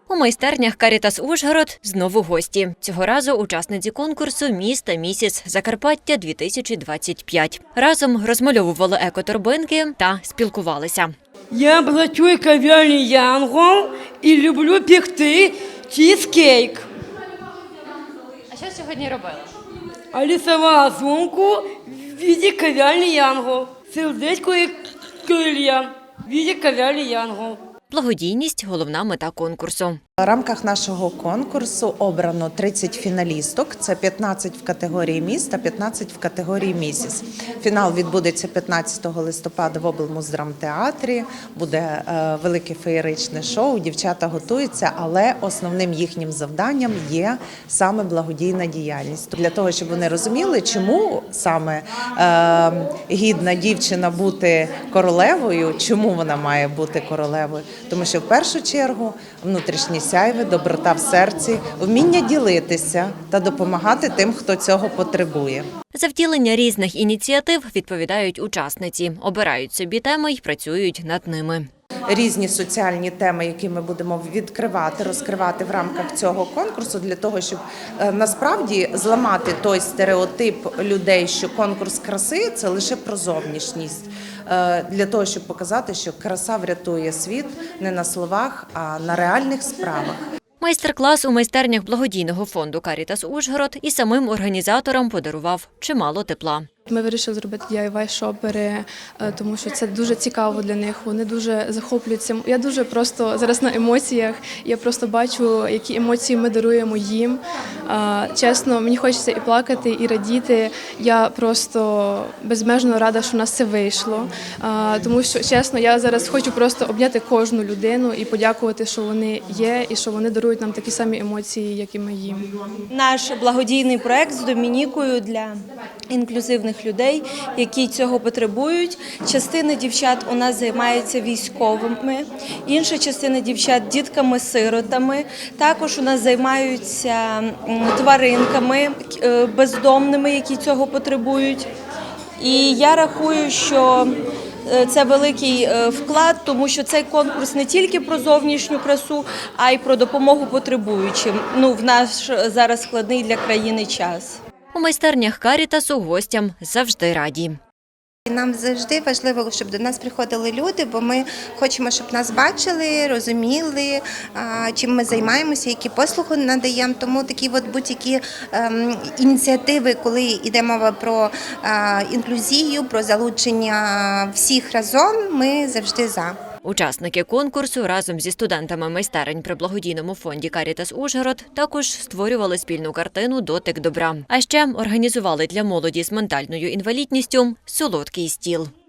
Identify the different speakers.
Speaker 1: У майстернях «Карітас Ужгород» знову гості. Цього разу учасниці конкурсу «Міс та місіс Закарпаття-2025». Разом розмальовували екоторбинки та спілкувалися.
Speaker 2: Я працюю в кав'ярні «Янгол» і люблю пекти чізкейк.
Speaker 1: А що сьогодні робили?
Speaker 2: А рисувала сумку в віді кав'ярні «Янгол». Сердечко і крилья в віді кав'ярні «Янгол».
Speaker 1: Благодійність – головна мета конкурсу.
Speaker 3: В рамках нашого конкурсу обрано 30 фіналісток. Це 15 в категорії «Міс» та 15 в категорії «Місіс». Фінал відбудеться 15 листопада в облмуздрамтеатрі. Буде велике феєричне шоу, дівчата готуються, але основним їхнім завданням є саме благодійна діяльність. Для того, щоб вони розуміли, чому саме гідна дівчина бути королевою, чому вона має бути королевою. Тому що в першу чергу внутрішнє сяйве, доброта в серці, вміння ділитися та допомагати тим, хто цього потребує.
Speaker 1: За втілення різних ініціатив відповідають учасниці, обирають собі теми й працюють над ними.
Speaker 3: Різні соціальні теми, які ми будемо відкривати, розкривати в рамках цього конкурсу, для того, щоб насправді зламати той стереотип людей, що конкурс краси – це лише про зовнішність. Для того, щоб показати, що краса врятує світ не на словах, а на реальних справах.
Speaker 1: Майстер-клас у майстернях благодійного фонду «Карітас Ужгород» і самим організаторам подарував чимало тепла.
Speaker 4: Ми вирішили зробити DIY-шопери, тому що це дуже цікаво для них, вони дуже захоплюються. Я дуже просто зараз на емоціях, я просто бачу, які емоції ми даруємо їм. Чесно, мені хочеться і плакати, і радіти. Я просто безмежно рада, що в нас це вийшло, тому що, чесно, я зараз хочу просто обняти кожну людину і подякувати, що вони є, і що вони дарують нам такі самі емоції, як і ми їм.
Speaker 5: Наш благодійний проект з Домінікою для інклюзивних людей, які цього потребують. Частина дівчат у нас займається військовими, інша частина дівчат – дітками-сиротами. Також у нас займаються тваринками бездомними, які цього потребують. І я рахую, що це великий вклад, тому що цей конкурс не тільки про зовнішню красу, а й про допомогу потребуючим. В наш зараз складний для країни час.
Speaker 1: У майстернях «Карітасу» гостям завжди раді.
Speaker 6: Нам завжди важливо, щоб до нас приходили люди, бо ми хочемо, щоб нас бачили, розуміли, чим ми займаємося, які послуги надаємо. Тому такі будь-які ініціативи, коли йде мова про інклюзію, про залучення всіх разом, ми завжди за.
Speaker 1: Учасники конкурсу разом зі студентами майстерень при благодійному фонді «Карітас Ужгород» також створювали спільну картину «Дотик добра». А ще організували для молоді з ментальною інвалідністю солодкий стіл.